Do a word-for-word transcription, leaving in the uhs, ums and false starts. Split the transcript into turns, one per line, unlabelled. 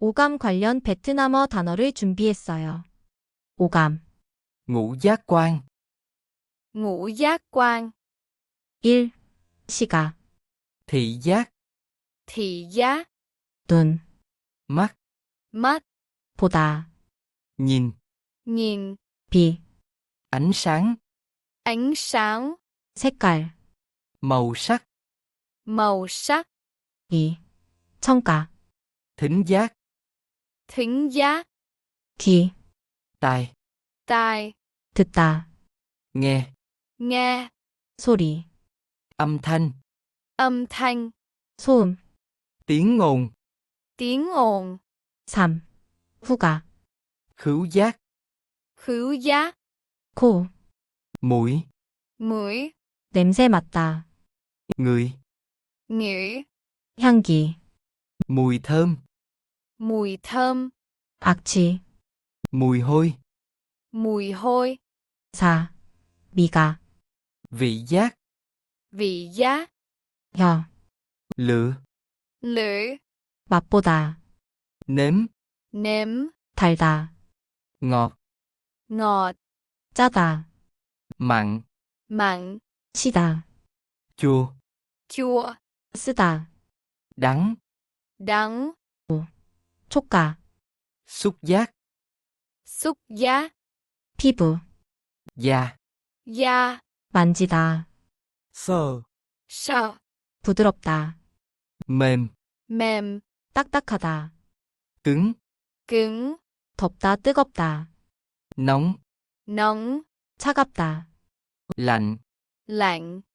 오감 관련 베트남어 단어를 준비했어요. 오감.
ngũ giác quan,
ngũ giác quan,
일. 시각.
thị giác,
thị giác,
눈.
mắt,
mắt,
보다.
nhìn,
nhìn,
빛.
ánh sáng,
ánh sáng,
색깔.
màu sắc,
màu sắc,
이. 청각.
thính giác,
thính giác,
귀.
tai,
tai,
듣다.
nghe,
nghe,
소리.
âm thanh,
âm thanh,
소음.
tiếng ồn,
tiếng ồn,
삼. 후각.
khứu giác,
khứu giác,
코.
mũi,
mũi,
냄새 맡다.
ngửi,
ngửi,
향기.
mùi thơm,
mùi thơm,
악취.
mùi hôi,
mùi hôi,
사. 미각.
vị giác,
vị giác,
혀.
lựa,
lưỡi,
맛보다.
nếm,
nếm,
달다.
ngọt,
ngọt,
짜다.
mặn,
mặn,
시다.
chua,
chua,
쓰다.
đắng,
đắng,
촉각.
xúc giác,
xúc giác,
피부.
da,
da,
만지다.
sờ,
sợ,
부드럽다.
mềm,
mềm,
딱딱하다.
cứng,
cứng,
덥다, 뜨겁다.
nóng,
nóng,
차갑다.
lạnh.
lạnh.